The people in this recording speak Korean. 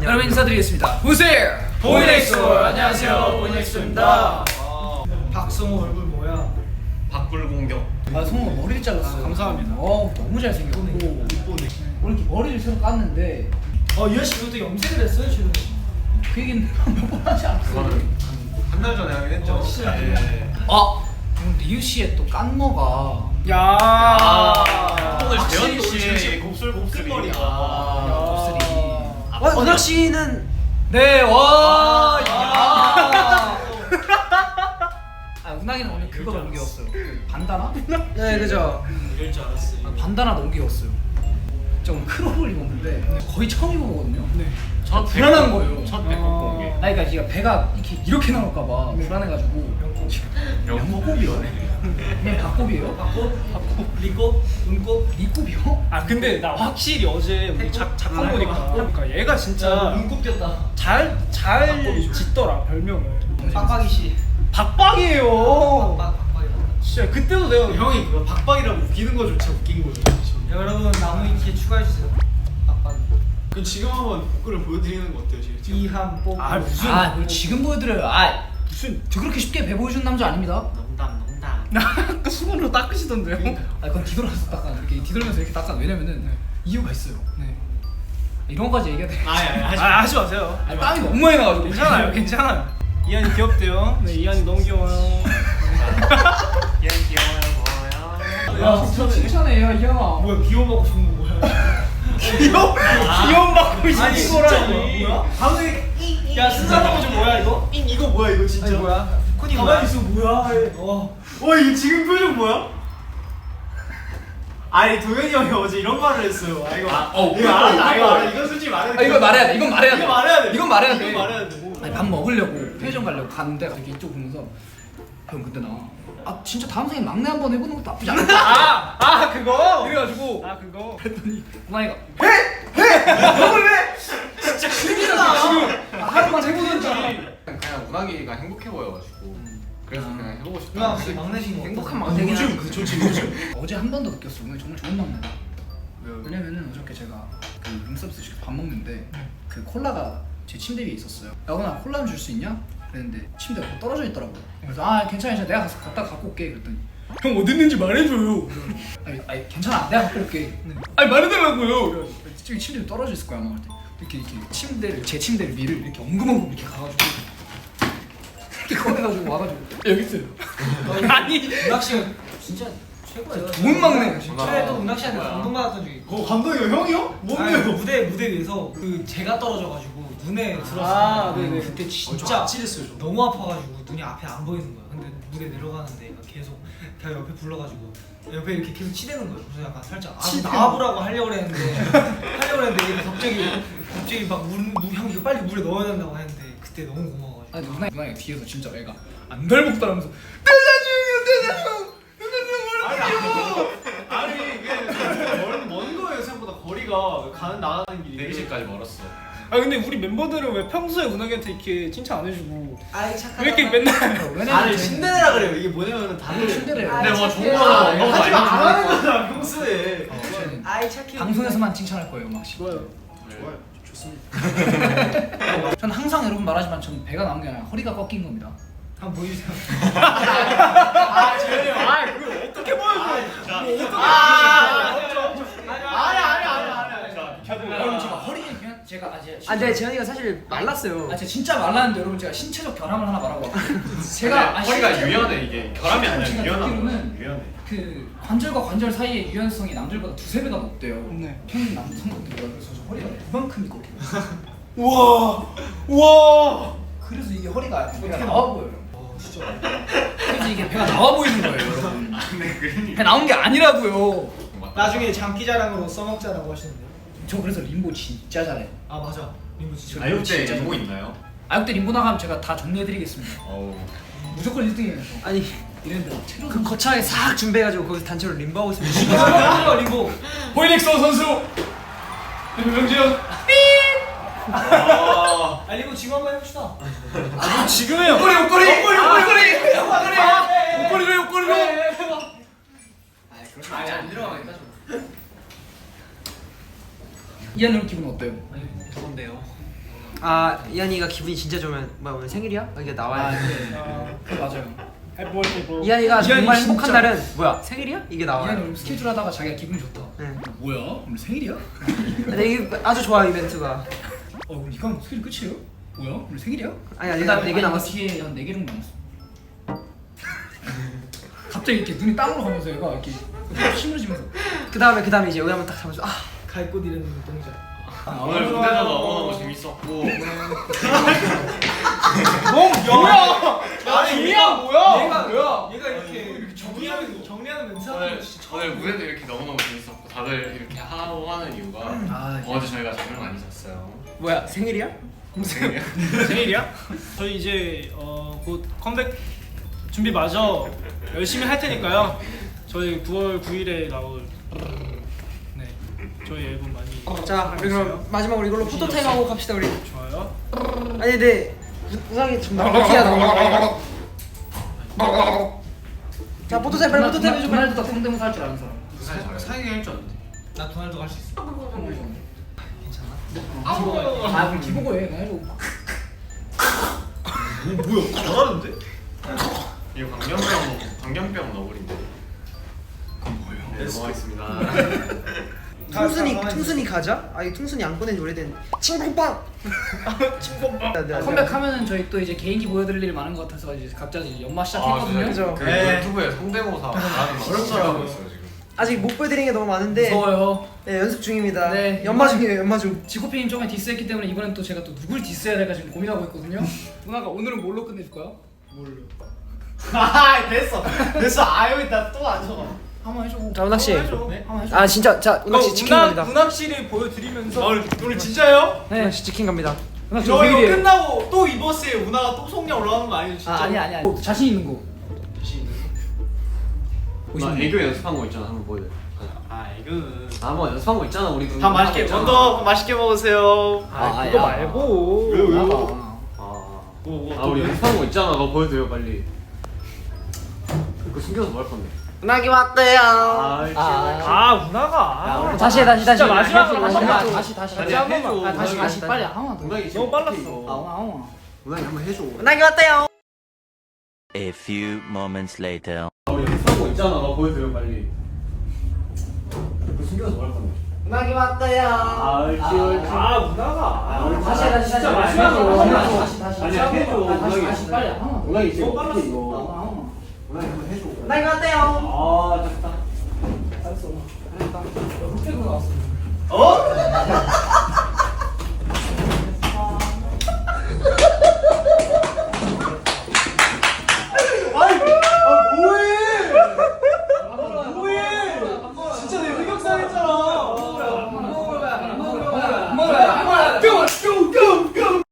여러분 인사드리겠습니다. 보세요. 보이넥소. 안녕하세요, 보이넥소입니다. 박성호 얼굴 뭐야? 박불공격. 아 성우 머리를 잘랐어요. 감사합니다. 너무 잘생겼고 이쁘네. 오늘 이렇게 머리를 새로 깠는데 이현 씨 그것도 염색을 했어요 지금? 그 얘기는 몇 번 하지 않았어요. 한 달 전에 하긴 했죠. 진짜. 네. 오늘 리우 씨의 또 깐머가 야. 오늘 확실히 재현 씨의 곱슬곱슬머리가. 은학 씨는 네, 와. 아. 은학이는 오늘 그거 너무 귀여웠어요. 그 반다나? 네 그죠. 이럴 줄 알았어요. 반다나 너무 귀여웠어요. 좀 크롭을 입었는데 거의 처음 입어보거든요. 네. 첫 불안한 거예요. 첫 배꼽 공개. 아니 그러니까 얘가 배가 이렇게 나올까봐 불안해가지고 영국이요? 그냥 박곱이에요? 박꽃, 리꽃, 은꽃. 니곱이요? 아 근데 나 확실히 어제 우리 작품 보니까 그러니까 얘가 진짜 눈곱 꼈다. 잘 짓더라 별명을. 빡빡이 씨. 박박이에요. 박박이. 진짜 그때도 내가 형이 그거 박박이라고 웃기는 거조차 웃긴 거예요. 여러분 나무위키에 추가해주세요. 박박이. 그럼 지금 한번 복근을 보여드리는 거 어때요, 지금? 이한 뽀. 아 무슨? 그걸 지금 보여드려요. 무슨? 저 그렇게 쉽게 배 보여준 남자 아닙니다. 농담. 나 아까 수건으로 닦으시던데요? 그건 뒤돌아서 닦아. 이렇게 뒤돌면서 이렇게 닦아. 왜냐면은 이유가 있어요. 네. 이런 거까지 얘기해야 돼. 하지 마세요. 땀이 너무 많이 나가지고. 괜찮아요. 이한이 귀엽대요. 네, 이한이 너무 귀여워요. 얘 귀여워요, 야, 칭찬해요, 이현아. 뭐야, 귀여워하고 싶은 거 뭐야? 귀여움받고 싶은 거라니. 뭐야? 방금 야, 쓴사람 좀 뭐야 이거? 이거 뭐야, 이거 진짜? 아니 뭐야? 코니 가만히 있어 뭐야? 이거 지금 표정 뭐야? 아니 도현이 형이 어제 이런 말을 했어요. 이거 알아. 이거 솔직히 말해야 돼. 이거 말해야 돼. 이건 말해야 돼. 이거 말해야 돼. 이건 말해야 돼. 이거 말해야 돼. 아니, 밥 먹으려고 편의점 가려고 갔는데 갑자기 이쪽 보면서 형 그때 나 진짜 다음 생에 막내 한번 해보는 것도 나쁘지 않다. 그거. 이래가지고 그거. 그랬더니 고마이가 형을 왜? 진짜 큰일이다 지금. 하루만 해보든지. 그냥 운하기가 행복해 보여가지고 그래서 그냥 해보고 싶다. 누나 혹시 막내신 거 행복한 막내긴 한데 요즘. 어제 한 번 더 느꼈어. 오늘 정말 좋은 막내다. 왜냐면은 어저께 제가 그 룸서비스 시켜서 밥 먹는데 그 콜라가 제 침대 위에 있었어요. 야구나 콜라 좀 줄 수 있냐? 그랬는데 침대가 떨어져 있더라고요. 그래서 괜찮아 내가 가서 갖다 갖고 올게 그랬더니 형 어디 있는지 말해줘요. 아니 괜찮아 내가 갖고 올게. 아니 말해달라고요. 저기 침대에 떨어져 있을 거야 아마. 이렇게 제 침대를 위를 이렇게 엉금엉금 이렇게 가가지고 이렇게 꺼내가지고 와가지고 여기 있어요. 아니 은학 씨가 진짜 최고예요. 좋은 막내야 진짜. 최애도 은학 씨한테 감동받았던 적이 있고. 감독이요, 형이요? 무대 위에서 그 제가 떨어져가지고 눈에 들었어요. 네네. 그때 진짜 찔했어요. 너무 아파가지고 눈이 앞에 안 보이는 거야. 근데 무대 내려가는데 얘가 계속 걔가 옆에 불러가지고 옆에 이렇게 계속 치대는 거예요. 그래서 약간 살짝 나와보라고 하려고 했는데 얘가 갑자기 막 형 이거 빨리 물에 넣어야 된다고 했는데 그때 너무 고마워가지고. 아니 누나가 뒤에서 진짜 애가 안 덜먹더라면서 아니 이게 먼 거예요 생각보다 거리가 나가는 길이 대기실까지 멀었어. 아 근데 우리 멤버들은 왜 평소에 은하기한테 이렇게 칭찬 안 해주고 아이 착하다. 왜 이렇게 맨날 아니 신데레라 그래요. 이게 뭐냐면은 다들 침대래요. 근데 뭐 좋은 착해. 거나 너무 하지 많이 마, 안 하는 해주니까. 거잖아 평소에. 아이 착해. 방송에서만 칭찬할 거예요, 막씨. 좋아요. 좋아요, 좋습니다. 저는 항상 여러분 말하지만 저는 배가 나온 게 아니라 허리가 꺾인 겁니다. 한번 보여주세요. 재현이 형. 그걸 어떻게 보여줘? 여러분 제가 허리 그냥 제가 근데 재현이가 사실 말랐어요. 제가 진짜 말랐는데 여러분 제가 신체적 결함을 하나 말하고 왔거든요. 제가 허리가 유연해 이게 결함이 아니라 제가 유연한 듣기로는 거. 유연해. 그 관절과 관절 사이의 유연성이 남들보다 두세 배가 높대요. 네. 평균 남성분들보다. 그래서 저 허리가 이만큼 있거든요. 우와. 그래서 이게 허리가 배가 나와 보여요. 진짜. 그래서 이게 배가 나와 보이는 거예요, 여러분. 배 나온 게 아니라고요. 나중에 장기자랑으로 써먹자라고 하시는데요. 저 그래서 림보 진짜 잘해요. 아 맞아. 림보 진짜. 아육 때 진짜 뭐 잘해요. 있나요? 아육대 림보 나가면 제가 다 정리해드리겠습니다. 어우. 무조건 1등이에요. 아니 이랬는데 체력 그 거창하게 싹 준비해가지고 거기서 단체로 림보하고 있으면 림보 림보. 보이넥서 선수 김병지현 아 림보 지금 한번 해봅시다. 지금 해요. 옷걸이 옷걸이로 옷걸이로 아니 안 들어가겠다. 이하는 기분 어때요? 더운데요. 아 이한이가 기분이 진짜 좋으면 뭐야 오늘 생일이야? 이게 나와야 돼. 네. 맞아요. 이한이가 정말 이한이 행복한 진짜- 날은 뭐야 생일이야? 이게 이한이 나와요. 오늘 스케줄 하다가 자기가 기분이 좋다. 네. 뭐야? 오늘 생일이야? 근데 이게 아주 좋아 이벤트가. 그럼 이건 스케줄 끝이에요? 뭐야? 오늘 생일이야? 아니 아니 그다음에 4개 남았어. 뒤에 한 4개 정도 남았어. 갑자기 이렇게 눈이 땅으로 가면서 얘가 이렇게 시무러지면서 그다음에 이제 여기 한번 딱 잡아줘. 아 갈 곳 잃은 동작. 오늘 무대도 너무너무 재밌었고 뭐야? 아니 얘가 뭐야? 얘가 이렇게 정리하는 멘트하는 거 진짜 처음. 오늘 무대도 이렇게 너무너무 재밌었고 다들 이렇게 하고 하는 이유가 어제 저희가 잠을 많이 잤어요. 뭐야 생일이야? 생일이야? 저희 이제 곧 컴백 준비 마저 열심히 할 테니까요. 저희 9월 9일에 나올 네 저희 앨범 많이 자 우리 그럼 마지막으로 이걸로 포토 타임 하고 갑시다 우리. 좋아요. 아니 근데 우상이 좀 럭키하다. 자 포토 타임 빨리 포토 타임 해줘. 도날드가 성대모사 할 줄 아는 사람. 무사히 잘해. 사귀게 할 줄 알았는데. 나 도날드 갈 수 있어. 그럼 기보고 해. 나 해줘. 뭐야? 잘하는데? 이거 광견병 너구리인데. 그건 뭐예요? 네, 넘어가겠습니다. 퉁순이 가자? 아 이 퉁순이 안 꺼낸 지 오래된 칭뽕빵. 컴백하면은 저희 또 이제 개인기 보여드릴 일이 많은 것 같아서 이제 각자 이제 연마 아, 시작했거든요. 진짜 그 네. 유튜브에 성대모사 잘하는 어렵더라고 있어요 지금. 아직 못 보여드리는 게 너무 많은데 무서워요. 네, 연습 중입니다. 네. 연마 중이에요 연마 중. 지코피님 저번에 디스했기 때문에 이번엔 또 제가 또 누굴 디스해야 될까 지금 고민하고 있거든요. 누나가 오늘은 뭘로 끝내줄 거야? 뭘로? 아 됐어. 아유 나또 안 적어. 한번 해줘. 자 운학 씨. 네? 한번 해줘. 아 진짜 자 운학 씨 치킨 갑니다. 문학 씨를 보여드리면서 오늘 진짜요? 운학 씨 치킨 갑니다. 누나 저 이거 생일이에요. 끝나고 또 이 버스에 운하가 또 속냐 올라가는 거 아니에요 진짜? 아니야. 자신 있는 거. 나 애교 연습한 거 있잖아 한번 보여줘. 아 이거. 한번 연습한 거 있잖아 우리. 밥 맛있게 먼저 맛있게 먹으세요. 그거 말고. 왜요? 우리 연습한 거 있잖아. 너 보여줘요 빨리. 그거 숨겨서 뭐 할 건데? 운학이 왔대요. 운하가. 다시 해. 진짜 마지막으로 다시 한 번만. 다시 아니, 한 번만. 해줘. 다시 빨리 한번 더. 운항이 너무 빨랐어. 운항이 한번 해줘. 운학이 왔대요. A few moments later. 우리 연습한 거 있잖아. 너 보여줘요 빨리. 그거 숨겨서 뭐 할 건데? 운학이 왔대요. 운하가. 다시 진짜 마지막으로 한 번만. 다시 아니야, 해줘. 다시 빨리 한번 더. 운항이 지금 너무 빨랐어. 어떻게 이거? 운항이 한번 해줘. 운학이 왔대요. 됐다. 알았어. 잘했다. 흑백으로 나왔어. 어?